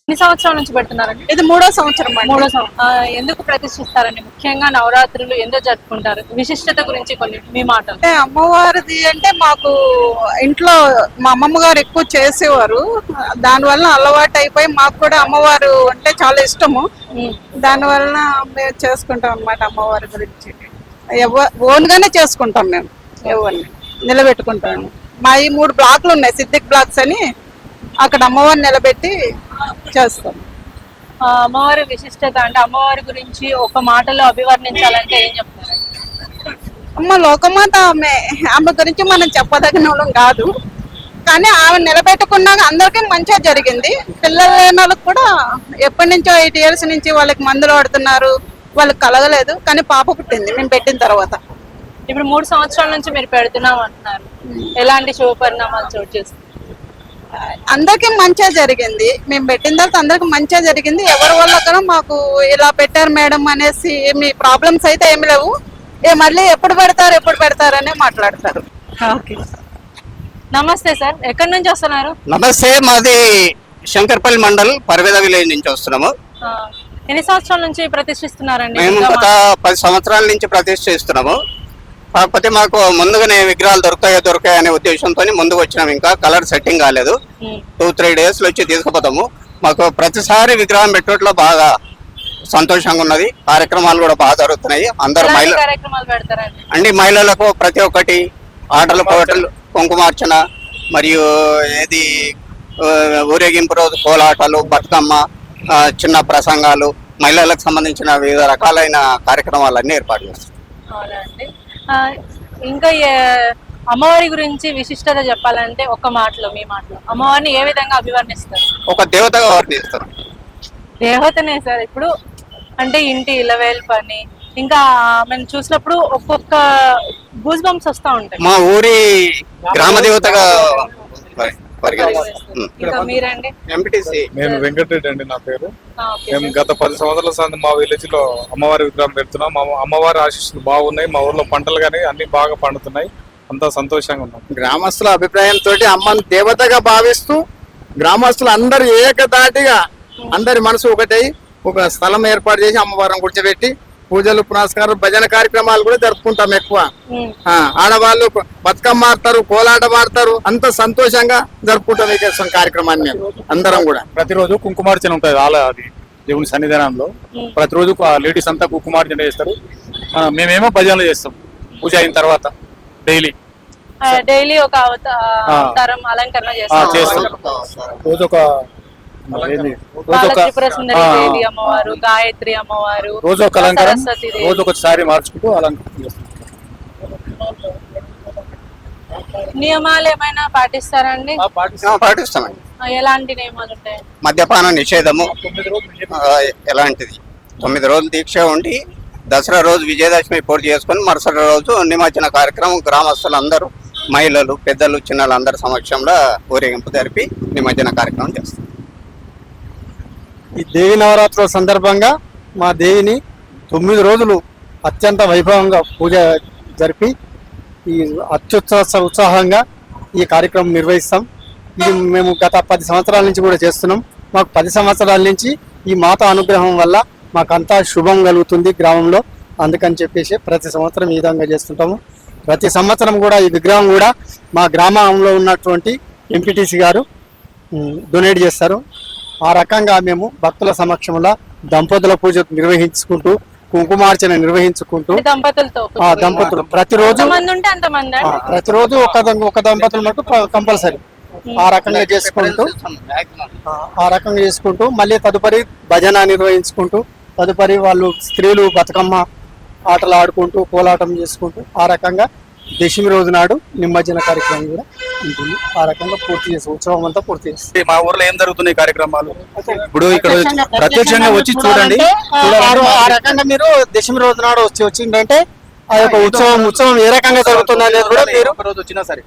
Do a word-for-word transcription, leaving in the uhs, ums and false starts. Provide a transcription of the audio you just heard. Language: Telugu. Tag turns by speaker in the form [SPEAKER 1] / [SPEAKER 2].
[SPEAKER 1] ఎన్ని సంవత్సరాల నుంచి పెడుతున్నారండి?
[SPEAKER 2] ఇది మూడో సంవత్సరం అండి.
[SPEAKER 1] మూడో సంవత్సరం. ఎందుకు ప్రతిష్ఠిస్తారండి? ముఖ్యంగా నవరాత్రులు ఎందుకు జరుపుకుంటారు? విశిష్టత గురించి కొన్ని మీ మాటలు.
[SPEAKER 2] అంటే అమ్మవారిది అంటే మాకు ఇంట్లో మా అమ్మమ్మ గారు ఎక్కువ చేసేవారు. దానివల్ల అలవాటు అయిపోయి మాకు కూడా అమ్మవారు అంటే చాలా ఇష్టము. దానివల్ల మేము చేసుకుంటాం అన్నమాట. అమ్మవారి గురించి ఓన్ గానే చేసుకుంటాం మేము. ఎవరిని నిలబెట్టుకుంటాం. మా ఈ మూడు బ్లాక్లు ఉన్నాయి, సిద్దిక్ బ్లాక్స్ అని. అక్కడ అమ్మవారిని నిలబెట్టి చేస్తాం.
[SPEAKER 1] అమ్మవారి విశిష్టత అంటే అమ్మవారి గురించి ఒక మాటలో అభివర్ణించాలంటే ఏం చెప్తారు?
[SPEAKER 2] అమ్మ లోకమాత ఆమె. ఆమె గురించి మనం చెప్పదగిన వాళ్ళం కాదు, కానీ ఆమె నిలబెట్టుకున్నాక అందరికీ మంచిగా జరిగింది. పిల్లలు లేని వాళ్ళకి కూడా ఎప్పటి నుంచో ఎయిట్ ఇయర్స్ నుంచి వాళ్ళకి మందులు వాడుతున్నారు, వాళ్ళకి కలగలేదు, కానీ పాప పుట్టింది మేము పెట్టిన తర్వాత.
[SPEAKER 1] ఇప్పుడు మూడు సంవత్సరాల నుంచి మీరు పెడుతున్నాం అంటున్నారు, ఎలాంటి శుభ పరిణామాలు చోటు చేస్తుంది?
[SPEAKER 2] అందరికి మంచిగా జరిగింది. మేము పెట్టిన తర్వాత అందరికి మంచిగా జరిగింది. ఎవరి వల్ల కూడా మాకు ఇలా పెట్టారు మేడం అనేసి ఏమి ప్రాబ్లమ్స్ అయితే ఏమి లేవు. ఏ మళ్ళీ ఎప్పుడు పెడతారు ఎప్పుడు పెడతారనే మాట్లాడతారు.
[SPEAKER 1] ఓకే, నమస్తే సార్, ఎక్కడి నుంచి వస్తున్నారు?
[SPEAKER 3] నమస్తే, మాది శంకర్పల్లి మండల్ పర్వేద విలేజ్ నుంచి వస్తున్నాము.
[SPEAKER 1] ఎన్ని సంవత్సరాల నుంచి ప్రతిష్ఠిస్తున్నారండి?
[SPEAKER 3] మేము గత పది సంవత్సరాల నుంచి ప్రతిష్ఠిస్తున్నాము. కాకపోతే మాకు ముందుగానే విగ్రహాలు దొరుకుతాయో దొరుకుతాయో అనే ఉద్దేశంతో ముందుకు వచ్చినాము. ఇంకా కలర్ సెట్టింగ్ కాలేదు. టూ త్రీ డేస్ లో వచ్చి తీసుకుపోతాము. మాకు ప్రతిసారి విగ్రహం పెట్టడంలో బాగా సంతోషంగా ఉన్నది. కార్యక్రమాలు కూడా బాగా జరుగుతున్నాయి. అందరు మహిళ అండి మహిళలకు ప్రతి ఒక్కటి ఆటలు పాటలు, కుంకుమార్చన, మరియు ఏది ఊరేగింపు రోజు కోలాటలు, బతుకమ్మ, చిన్న ప్రసంగాలు, మహిళలకు సంబంధించిన వివిధ రకాలైన కార్యక్రమాలన్నీ ఏర్పాటు చేస్తాం.
[SPEAKER 1] ఇంకా అమ్మవారి గురించి విశిష్టత చెప్పాలంటే ఒక మాటలో మీ మాటలో అమ్మవారిని ఏ విధంగా అభివర్ణిస్తారు?
[SPEAKER 3] ఒక దేవతగా వర్ణిస్తారు.
[SPEAKER 1] దేవతనే సార్. ఇప్పుడు అంటే ఇంటి ఇలవేల్ పని ఇంకా మనం చూసినప్పుడు ఒక్కొక్క గూస్ బంప్స్ వస్తా ఉంటాయి.
[SPEAKER 3] మా ఊరి గ్రామ దేవతగా.
[SPEAKER 1] మీరండి?
[SPEAKER 4] నేను వెంకటరెడ్డి అండి నా పేరు. మేము గత పది సంవత్సరాల సంది మా విలేజ్ లో అమ్మవారి విగ్రహం పెడుతున్నాం. మా అమ్మవారి ఆశీస్సులు బాగున్నాయి. మా ఊర్లో పంటలు కానీ అన్ని బాగా పండుతున్నాయి. అంతా సంతోషంగా ఉన్నాం.
[SPEAKER 5] గ్రామస్తుల అభిప్రాయంతో అమ్మను దేవతగా భావిస్తూ గ్రామస్తులు అందరు ఏకదాటిగా అందరి మనసు ఒకటై ఒక స్థలం ఏర్పాటు చేసి అమ్మవారిని కూర్చోబెట్టి పూజలు, పునస్కారాలు, భజన కార్యక్రమాలు కూడా జరుపుకుంటాం. ఎక్కువ ఆడవాళ్ళు బతుకమ్మ ఆడతారు, కోలాటం ఆడతారు. అంత సంతోషంగా జరుపుకుంటాం ఈ కార్యక్రమాన్ని. అందరం కూడా
[SPEAKER 4] ప్రతిరోజు కుంకుమార్చన ఉంటుంది. ఆల అది దేవుని సన్నిధానంలో ప్రతిరోజు లేడీస్ అంతా కుంకుమార్చన చేస్తారు. మేమేమో భజనలు చేస్తాం పూజ అయిన తర్వాత. డైలీ
[SPEAKER 1] డైలీ ఒక అవతారం అలంకరణ చేస్తాం.
[SPEAKER 4] రోజు ఒక
[SPEAKER 1] అమ్మవారు, గాయత్రి అమ్మవారు,
[SPEAKER 4] రోజు ఒక అలంకారం, రోజు ఒక సారీ మార్చుకుంటూ అలంకరణ చేస్తాం.
[SPEAKER 1] నియమాలు ఏమైనా పాటిస్తారండి?
[SPEAKER 3] పాటిస్తామండి.
[SPEAKER 1] ఎలాంటి నియమాలు ఉంటాయి?
[SPEAKER 3] మద్యపాన నిషేధము ఎలాంటిది. తొమ్మిది రోజులు దీక్ష ఉండి దసరా రోజు విజయదశమి పూర్తి చేసుకుని మరుసటి రోజు నిమజ్జన కార్యక్రమం గ్రామస్తులందరూ, మహిళలు, పెద్దలు, చిన్నలు అందరి సమక్షంలో ఊరేగింపు జరిపి నిమజ్జన కార్యక్రమం చేస్తారు.
[SPEAKER 5] ఈ దేవి నవరాత్రుల సందర్భంగా మా దేవిని తొమ్మిది రోజులు అత్యంత వైభవంగా పూజ జరిపి ఈ అత్యుత్సాహ ఉత్సాహంగా ఈ కార్యక్రమం నిర్వహిస్తాం. ఇది మేము గత పది సంవత్సరాల నుంచి కూడా చేస్తున్నాం. మాకు పది సంవత్సరాల నుంచి ఈ మాత అనుగ్రహం వల్ల మాకంతా శుభం కలుగుతుంది గ్రామంలో. అందుకని చెప్పేసి ప్రతి సంవత్సరం ఈ విధంగా చేస్తుంటాము. ప్రతి సంవత్సరం కూడా ఈ విగ్రహం కూడా మా గ్రామంలో ఉన్నటువంటి ఎంపీటీసీ గారు డొనేట్ చేస్తారు. ఆ రకంగా మేము భక్తుల సమక్షంలో దంపతుల పూజ నిర్వహించుకుంటూ, కుంకుమార్చన నిర్వహించుకుంటూ
[SPEAKER 1] దంపతులతో
[SPEAKER 5] దంపతులు ప్రతిరోజు ప్రతిరోజు ఒక ఒక దంపతులు మటు కంపల్సరీ ఆ రకంగా చేసుకుంటూ ఆ రకంగా చేసుకుంటూ మళ్ళీ తదుపరి భజన నిర్వహించుకుంటూ తదుపరి వాళ్ళు స్త్రీలు బతుకమ్మ ఆటలు ఆడుకుంటూ కోలాటం చేసుకుంటూ ఆ రకంగా దశమి రోజు నాడు నిమజ్జన కార్యక్రమం కూడా ఉంటుంది. ఆ రకంగా పూర్తి చేసి ఉత్సవం అంతా పూర్తి చేస్తుంది.
[SPEAKER 4] మా ఊర్లో ఏం జరుగుతున్నాయి కార్యక్రమాలు ఇప్పుడు ఇక్కడ ప్రత్యక్షంగా వచ్చి చూడండి.
[SPEAKER 5] ఆ రకంగా మీరు దశమి రోజు నాడు వచ్చి వచ్చిందంటే ఆ యొక్క ఉత్సవం ఉత్సవం ఏ రకంగా జరుగుతుంది అనేది కూడా మీరు
[SPEAKER 4] రోజు వచ్చినా సరే